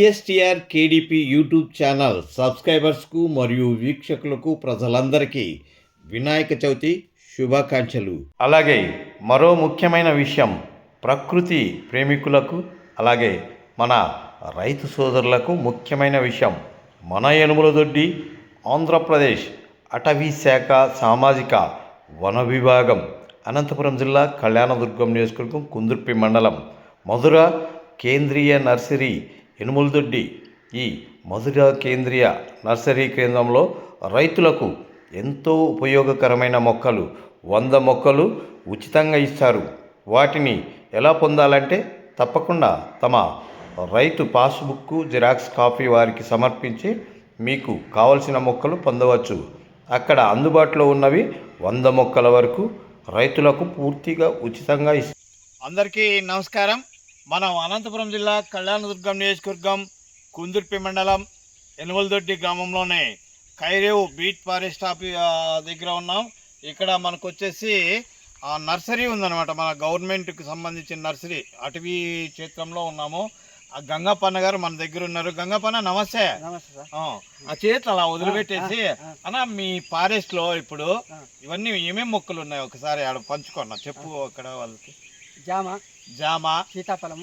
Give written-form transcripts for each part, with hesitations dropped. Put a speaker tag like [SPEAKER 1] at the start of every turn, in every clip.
[SPEAKER 1] CSTR KDP YouTube channel సబ్స్క్రైబర్స్కు మరియు వీక్షకులకు ప్రజలందరికీ వినాయక చవితి శుభాకాంక్షలు. అలాగే మరో ముఖ్యమైన విషయం, ప్రకృతి ప్రేమికులకు అలాగే మన రైతు సోదరులకు ముఖ్యమైన విషయం, మన యనుమలదొడ్డి ఆంధ్రప్రదేశ్ అటవీ శాఖ సామాజిక వన విభాగం అనంతపురం జిల్లా కళ్యాణదుర్గం నియోజకవర్గం కుందుర్పి మండలం మధుర కేంద్రీయ నర్సరీ యనుమలదొడ్డి. ఈ మధుర కేంద్రీయ నర్సరీ కేంద్రంలో రైతులకు ఎంతో ఉపయోగకరమైన మొక్కలు 100 మొక్కలు ఉచితంగా ఇస్తారు. వాటిని ఎలా పొందాలంటే తప్పకుండా తమ రైతు పాస్బుక్ జిరాక్స్ కాపీ వారికి సమర్పించి మీకు కావలసిన మొక్కలు పొందవచ్చు. అక్కడ అందుబాటులో ఉన్నవి 100 మొక్కల వరకు రైతులకు పూర్తిగా ఉచితంగా ఇస్తారు.
[SPEAKER 2] అందరికీ నమస్కారం. మనం అనంతపురం జిల్లా కళ్యాణదుర్గం నియోజకవర్గం కుందుర్పి మండలం యనుమలదొడ్డి గ్రామంలోనే కైరేవు బీట్ ఫారెస్ట్ దగ్గర ఉన్నాం. ఇక్కడ మనకు వచ్చేసి నర్సరీ ఉందన్నమాట, మన గవర్నమెంట్కి సంబంధించిన నర్సరీ, అటవీ క్షేత్రంలో ఉన్నాము. ఆ గంగప్పన్న గారు మన దగ్గర ఉన్నారు. గంగప్పన్న నమస్తే. ఆ చేతులు అలా వదిలిపెట్టేసి అన్న, మీ ఫారెస్ట్లో ఇప్పుడు ఇవన్నీ ఏమేమి మొక్కలు ఉన్నాయి ఒకసారి ఆడ పంచుకున్నా చెప్పు. అక్కడ వాళ్ళకి జామ,
[SPEAKER 3] సీతాఫలం,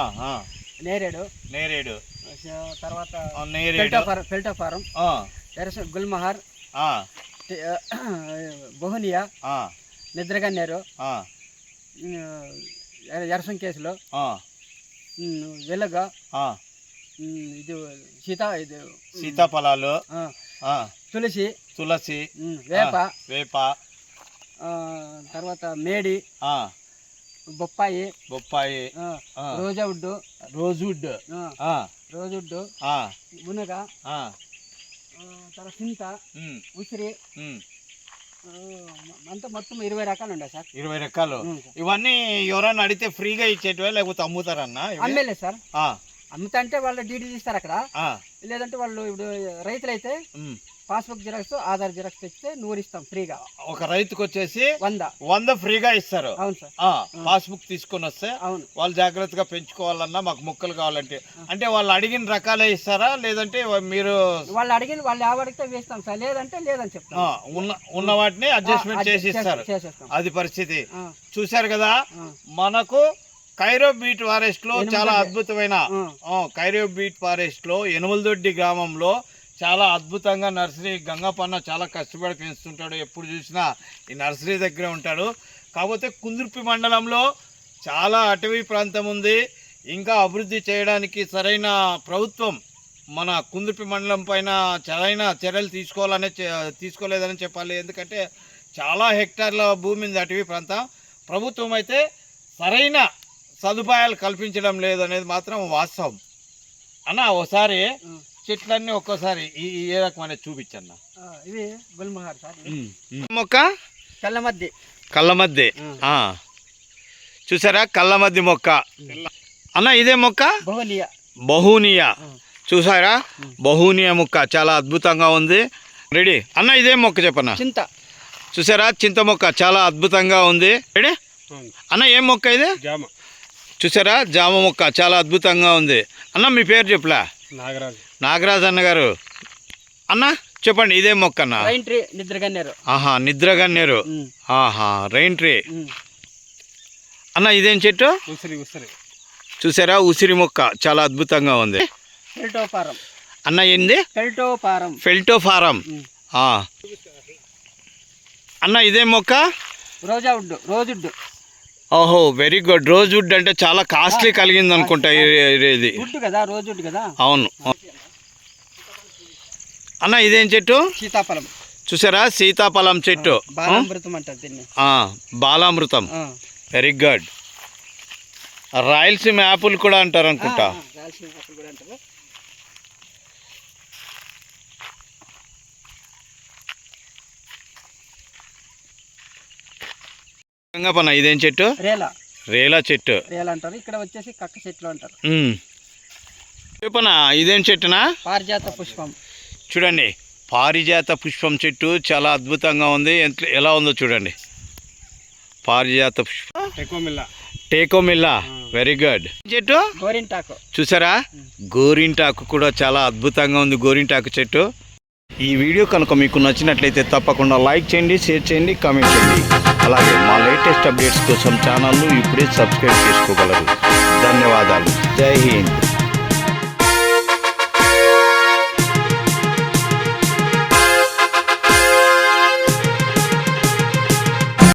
[SPEAKER 3] నేరేడు, తర్వాత ఫెల్టోఫారం, గుల్మహర్, బొహునియా, నిద్రగన్నేరు, ఎరసం కేసులు, వెలుగ, ఇది
[SPEAKER 2] సీతాఫలాలు,
[SPEAKER 3] తులసి, వేప, తర్వాత మేడి, బొప్పాయి, రోజువుడ్, మునగ, తర్వాత చింత, ఉసిరి, అంతా మొత్తం 20 రకాలు ఉన్నాయి సార్.
[SPEAKER 2] 20 రకాలు. ఇవన్నీ ఎవరైనా అడిగితే ఫ్రీగా ఇచ్చేటివా లేకపోతే అమ్ముతారన్నా?
[SPEAKER 3] అమ్మేలేదు సార్. అమ్ముతా అంటే వాళ్ళు డీడీ తీస్తారు అక్కడ, లేదంటే వాళ్ళు ఇప్పుడు రైతులైతే పాస్బుక్ జిరాక్స్, ఆధార్ జిరాక్స్ తెచ్చితే 100 ఇస్తాం ఫ్రీగా.
[SPEAKER 2] ఒక రైతుకు వచ్చేసి
[SPEAKER 3] 100
[SPEAKER 2] ఫ్రీగా ఇస్తారు.
[SPEAKER 3] అవును సార్.
[SPEAKER 2] పాస్బుక్ తీసుకొని వస్తే
[SPEAKER 3] అవును,
[SPEAKER 2] వాళ్ళు జాగ్రత్తగా పెంచుకోవాలన్నా మాకు మొక్కలు కావాలంటే అంటే వాళ్ళు అడిగిన రకాలే ఇస్తారా లేదంటే మీరు
[SPEAKER 3] వాళ్ళు అడిగిన వాళ్ళు ఎవరికితే వేస్తాం సార్, లేదంటే లేదని చెప్తాం.
[SPEAKER 2] ఉన్న వాటిని అడ్జస్ట్మెంట్ చేసి ఇస్తారు. అది పరిస్థితి. చూశారు కదా, మనకు కైరో బీట్ ఫారెస్ట్ లో చాలా అద్భుతమైన కైరో బీట్ ఫారెస్ట్ లో యనుమలదొడ్డి గ్రామంలో చాలా అద్భుతంగా నర్సరీ గంగప్పన్న చాలా కష్టపడి పెంచుతుంటాడు. ఎప్పుడు చూసినా ఈ నర్సరీ దగ్గర ఉంటాడు. కాకపోతే కుందుర్పి మండలంలో చాలా అటవీ ప్రాంతం ఉంది. ఇంకా అభివృద్ధి చేయడానికి సరైన ప్రభుత్వం మన కుందుర్పి మండలం పైన సరైన చర్యలు తీసుకోలేదని చెప్పాలి. ఎందుకంటే చాలా హెక్టార్ల భూమి ఉంది అటవీ ప్రాంతం. ప్రభుత్వం అయితే సరైన సదుపాయాలు కల్పించడం లేదనేది మాత్రం వాస్తవం. అన్న ఒకసారి చెట్లన్నీ ఒక్కోసారి ఏ రకమైన చూపించన్న.
[SPEAKER 3] ఇది గుల్మహర్ సార్.
[SPEAKER 2] మొక్క కళ్ళమద్ది. చూసారా, కళ్ళమద్ది మొక్క. అన్న ఇదే మొక్క బహునియా. చూసారా, బహునియా మొక్క చాలా అద్భుతంగా ఉంది. రెడీ అన్న, ఇదే మొక్క చెప్పన్న.
[SPEAKER 3] చింత.
[SPEAKER 2] చూసారా, చింత మొక్క చాలా అద్భుతంగా ఉంది. రెడీ అన్న, ఏం మొక్క ఇది? చూసారా, జామ మొక్క చాలా అద్భుతంగా ఉంది. అన్న మీ పేరు చెప్పలా? నాగరాజ్ అన్న గారు. అన్న చెప్పండి, ఇదే మొక్క అన్న?
[SPEAKER 3] నిద్రగన్నేరు.
[SPEAKER 2] నిద్రగన్నేరు. Rain tree. అన్న ఇదేం చెట్టు? చూసారా, ఉసిరి మొక్క చాలా అద్భుతంగా ఉంది. అన్న ఏంది? ఫెల్టోఫారం. అన్న ఇదే మొక్క?
[SPEAKER 3] రోజుడ్.
[SPEAKER 2] ఓహో, వెరీ గుడ్. రోజ్వుడ్ అంటే చాలా కాస్ట్లీ కలిగింది అనుకుంటా ఇది. అవును. అన్న ఇదేం చెట్టు?
[SPEAKER 3] సీతాఫలం.
[SPEAKER 2] చూసారా, సీతాఫలం చెట్టు. బాలామృతం. Very good. రాయలసీమ యాపిల్ కూడా అంటారు అనుకుంటా. గంగప్పన్న ఇదేం చెట్టు? రేలా చెట్టు
[SPEAKER 3] అంటారు. ఇక్కడ వచ్చేసి కక్క చెట్లు అంటారు.
[SPEAKER 2] చెప్పనా, ఇదేం చెట్టునా?
[SPEAKER 3] పారిజాత పుష్పం.
[SPEAKER 2] చూడండి, పారిజాత పుష్పం చెట్టు చాలా అద్భుతంగా ఉంది. ఎలా ఉందో చూడండి. పారిజాత పుష్పం టేకోమిల్లా, వెరీ గుడ్. చెట్టు
[SPEAKER 3] గోరింటాకు
[SPEAKER 2] చూసారా, గోరింటాకు కూడా చాలా అద్భుతంగా ఉంది గోరింటాకు చెట్టు. ఈ వీడియో కనుక మీకు నచ్చినట్లయితే తప్పకుండా లైక్ చేయండి, షేర్ చేయండి, కామెంట్ చేయండి. అలాగే మా లేటెస్ట్ అప్డేట్స్ కోసం ఛానల్ను ఇప్పుడే సబ్స్క్రైబ్ చేసుకోగలరు. ధన్యవాదాలు. జై హింద్.